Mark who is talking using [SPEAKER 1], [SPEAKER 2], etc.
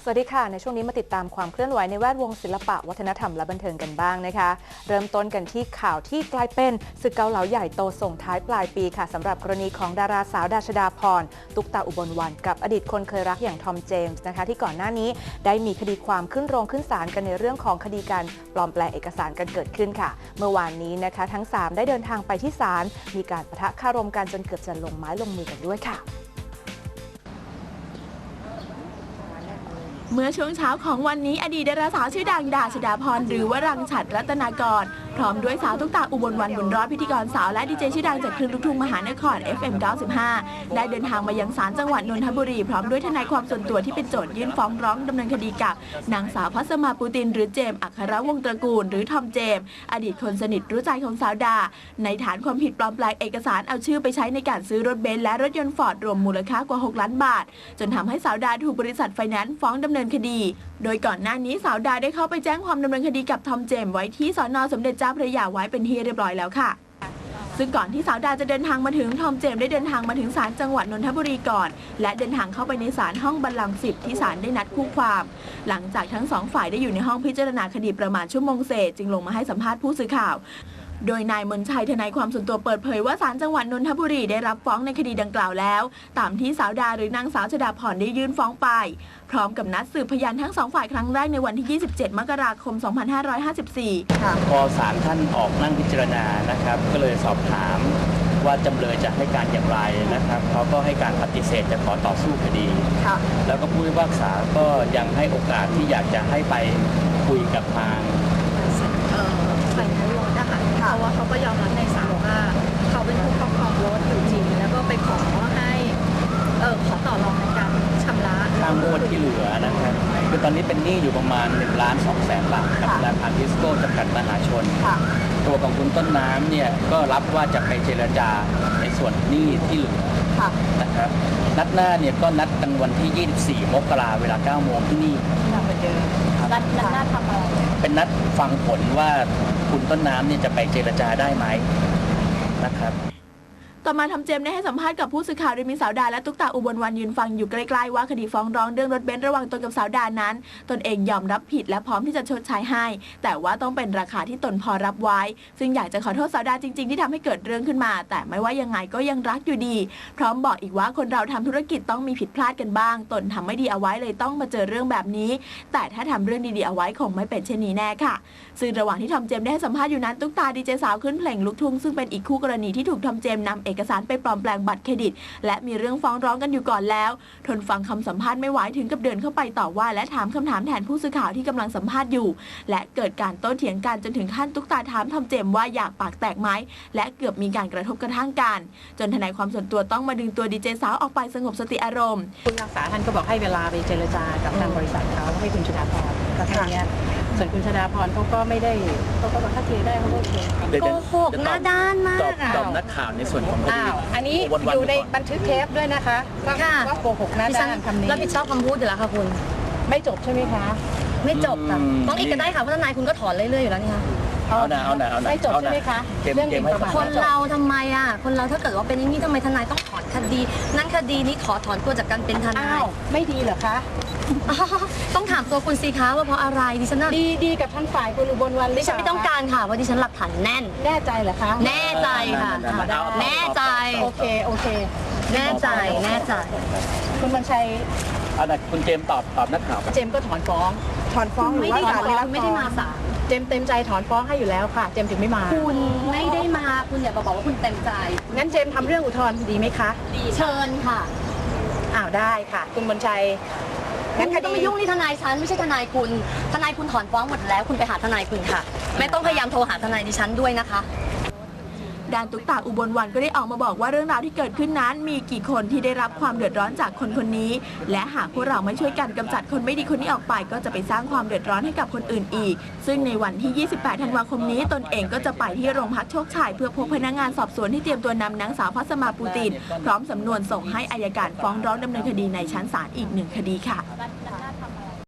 [SPEAKER 1] สวัสดีค่ะในช่วงนี้มาติดตามความเคลื่อนไหวในแวดวงศิลปะวัฒนธรรมและบันเทิงกันบ้างนะคะเริ่มต้นกันที่ข่าวที่กลายเป็นศึกเกาเหลาใหญ่โตส่งท้ายปลายปีค่ะสำหรับกรณีของดาราสาวดาชดาพรตุ๊กตาอุบลวรรณกับอดีตคนเคยรักอย่างทอมเจมส์นะคะที่ก่อนหน้านี้ได้มีคดีความขึ้นโรงขึ้นศาลกันในเรื่องของคดีการปลอมแปลงเอกสารกันเกิดขึ้นค่ะเมื่อวานนี้นะคะทั้ง3ได้เดินทางไปที่ศาลมีการปะทะคารมกันจนเกือบจะลงไม้ลงมือกันด้วยค่ะ
[SPEAKER 2] เมื่อช่วงเช้าของวันนี้อดีตดาราสาวชื่อดังดาชดาพรหรือวรังฉัตรรัตนากรพร้อมด้วยสาวตุ๊กตาอุบลวรรณบุญรอดพิธีกรสาวและดีเจชื่อดังจากคลื่นลูกทุ่งมหานคร FM 95ได้เดินทางมายังศาลจังหวัดนนทบุรีพร้อมด้วยทนายความส่วนตัวที่เป็นโจทยื่นฟ้องร้องดำเนินคดีกับนางสาวพัสมาปูตินหรือเจมส์อัครวงศ์ตระกูลหรือทอมเจมส์อดีตคนสนิทรู้ใจของสาวดาในฐานความผิดปลอมแปลงเอกสารเอาชื่อไปใช้ในการซื้อรถเบนซ์และรถยนต์ฟอร์ดรวมมูลค่ากว่า6 ล้านบาทจนทำให้สาวดาถูกบริษัทไฟแนนซ์ฟ้องดำเนินคดีโดยก่อนหน้านี้สาวดาได้เข้าไปแจ้งความดำเนินคดีกับทอมเจมส์ไว้ที่สน.สมเด็จเจ้าพระยาไว้เป็นที่เรียบร้อยแล้วค่ะซึ่งก่อนที่สาวดาจะเดินทางมาถึงทอมเจมส์ได้เดินทางมาถึงศาลจังหวัดนนทบุรีก่อนและเดินทางเข้าไปในศาลห้องบัลลังก์10ที่ศาลได้นัดคู่ความหลังจากทั้ง2ฝ่ายได้อยู่ในห้องพิจารณาคดีประมาณชั่วโมงเศษจึงลงมาให้สัมภาษณ์ผู้สื่อข่าวโดยนายมนชัยทนายความส่วนตัวเปิดเผยว่าศาลจังหวัดนนทบุรีได้รับฟ้องในคดีดังกล่าวแล้วตามที่สาวดาหรือนางสาวชดาพรได้ยื่นฟ้องไปพร้อมกับนัดสืบพยานทั้ง2ฝ่ายครั้งแรกในวันที่27 มกราคม 2554
[SPEAKER 3] พอศาลท่านออกนั่งพิจารณานะครับก็เลยสอบถามว่าจำเลยจะให้การอย่างไรนะครับเขาก็ให้การปฏิเสธจะขอต่อสู้คดีแล้วก็ผู้พิพากษาก็ยังให้โอกาสที่อยากจะให้ไปคุยกับทาง
[SPEAKER 4] ฝ่ายนั้นรถนะคะเพราะว่าเขาก็ยอมรับในศาลว่าเขาเป็นผู้ครอบครองรถอยู่จริงแล้วก็ไปขอให้ขอต่อรองในการชำระ
[SPEAKER 3] ค่างวดที่เหลือนะครับคือตอนนี้เป็นหนี้อยู่ประมาณ1,200,000 บาทกับธนาคารทิสโก้จำกัดมหาชนตัวของคุณต้นน้ำเนี่ยก็รับว่าจะไปเจรจาในส่วนหนี้ที่เหลือนะครับนัดหน้าเนี่ยก็นัดกันวันที่ 24 มกราเวลา 9 โมงที่นี่
[SPEAKER 4] นัดหน้าทำอะไร
[SPEAKER 3] เป็นนัดฟังผลว่าคุณต้นน้ำเนี่ยจะไปเจรจาได้ไหมนะครับ
[SPEAKER 2] ต่อมาทอมเจมส์ได้ให้สัมภาษณ์กับผู้สื่อข่าวโดยมีสาวดาและตุ๊กตาอุบลวรรณยืนฟังอยู่ใกล้ๆว่าคดีฟ้องร้องเรื่องรถเบนซ์ระหว่างตนกับสาวดานั้นตนเองยอมรับผิดและพร้อมที่จะชดใช้ให้แต่ว่าต้องเป็นราคาที่ตนพอรับไว้ซึ่งอยากจะขอโทษสาวดาจริงๆที่ทำให้เกิดเรื่องขึ้นมาแต่ไม่ว่ายังไงก็ยังรักอยู่ดีพร้อมบอกอีกว่าคนเราทำธุรกิจต้องมีผิดพลาดกันบ้างตนทำไม่ดีเอาไว้เลยต้องมาเจอเรื่องแบบนี้แต่ถ้าทำเรื่องดีๆเอาไว้คงไม่เป็นเช่นนี้แน่ค่ะซึ่งระหว่างที่ทอมเจมส์ได้ให้สัมภาษณ์อยู่นั้นตุ๊กตาดีเจสาวขึ้นเพลงลูกทุ่งซึ่งเป็นอีกคู่กรณีที่ถูกทอมเจมส์นำเอกสารไปปลอมแปลงบัตรเครดิตและมีเรื่องฟ้องร้องกันอยู่ก่อนแล้วทนฟังคำสัมภาษณ์ไม่ไหวถึงกับเดินเข้าไปต่อว่าและถามคำถามแทนผู้สื่อข่าวที่กำลังสัมภาษณ์อยู่และเกิดการโต้เถียงกันจนถึงขั้นตุ๊กตาถามทอมเจมส์ว่าอยากปากแตกไหมและเกือบมีการกระทบกระทั่งกันจนทนายความส่วนตัวต้องมาดึงตัวดีเจสาวออกไปสงบสติอารมณ์
[SPEAKER 5] ผู้พิพากษาท่านก็บอกให้เวลาไปเจรจากับทางบริษัทเขาให้คุณชดาพรก็แค่นี้ส่วนคุณชดาพรเขาก็ไม่ได้เขาก็บอกถ้าเคลียร์ได้เขาก็เคลียร์
[SPEAKER 4] โกหกหน้าด้านมาก
[SPEAKER 3] ตอบนักข่าวในส่วนของคดี
[SPEAKER 5] อันนี้อยู่ในบันทึกเทปด้วยนะคะว่าโกหกหน้าด้านคำนี้
[SPEAKER 4] รับผิดชอบคำพูดอยู่แล้วค่ะคุณ
[SPEAKER 5] ไม่จบใช่ไหมคะ
[SPEAKER 4] ไม่จบค่ะต้องอีกก็ได้ค่ะเพราะทนายคุณก็ถอนเรื่อยๆอยู่แล้วนี่ค่ะ
[SPEAKER 3] เอาหน่า
[SPEAKER 5] ไม่จบใช่ไหมคะ
[SPEAKER 3] เรื่องประมาท
[SPEAKER 4] คนเราทำไมคนเราถ้าเกิดว่าเป็นอย่างนี้ทำไมทนายต้องถอนคดีนั่นคดีนี้ขอถอนตัวจากการเป็นทนาย
[SPEAKER 5] ไม่ดีเหรอคะ
[SPEAKER 4] ต้องถามตัวคุณสิคะว่าเพราะอะไรดิฉัน
[SPEAKER 5] ดีกับท่านฝ่ายคุณอุบลวรรณ
[SPEAKER 4] ดิฉันไม่ต้องการค่ะว่าดิฉันหลักฐานแน่น
[SPEAKER 5] แน่ใจเหรอคะ
[SPEAKER 4] แน่ใจค่ะแน่ใจ
[SPEAKER 5] โอเค
[SPEAKER 4] แน่ใจ
[SPEAKER 5] คุณบรรชัย
[SPEAKER 3] คุณเจมส์ตอบนักข่าว
[SPEAKER 5] เจมส์ก็ถอนฟ้องหรือว่าศาล
[SPEAKER 4] ไม่ได้มาศาล
[SPEAKER 5] เจมส์เต็มใจถอนฟ้องให้อยู่แล้วค่ะเจมส์ถึงไม่มา
[SPEAKER 4] คุณไม่ได้มาคุณอย่าบอกว่าคุณเต็มใจ
[SPEAKER 5] งั้นเจมส์ทำเรื่องอุทธรณ์ดีไหมคะ
[SPEAKER 4] ดีเชิญค่ะ
[SPEAKER 5] ได้ค่ะคุณบรรชัย
[SPEAKER 4] งั้นคดีต้องมายุ่งที่ทนายฉันไม่ใช่ทนายคุณถอนฟ้องหมดแล้วคุณไปหาทนายคุณค่ะไม่ต้องพยายามโทรหาทนายดิฉันด้วยนะคะ
[SPEAKER 2] ด้านตุ๊กตาอุบลวรรณก็ได้ออกมาบอกว่าเรื่องราวที่เกิดขึ้นนั้นมีกี่คนที่ได้รับความเดือดร้อนจากคนคนนี้และหากพวกเราไม่ช่วยกันกำจัดคนไม่ดีคนนี้ออกไปก็จะไปสร้างความเดือดร้อนให้กับคนอื่นอีกซึ่งในวันที่ 28 ธันวาคมนี้ตนเองก็จะไปที่โรงพักโชคชัยเพื่อพบพนักงานสอบสวนที่เตรียมตัวนำนางสาวพัสมาปูตินพร้อมสำนวนส่งให้อัยการฟ้องร้องดำเนินคดีในชั้นศาลอีก1 คดีค่ะ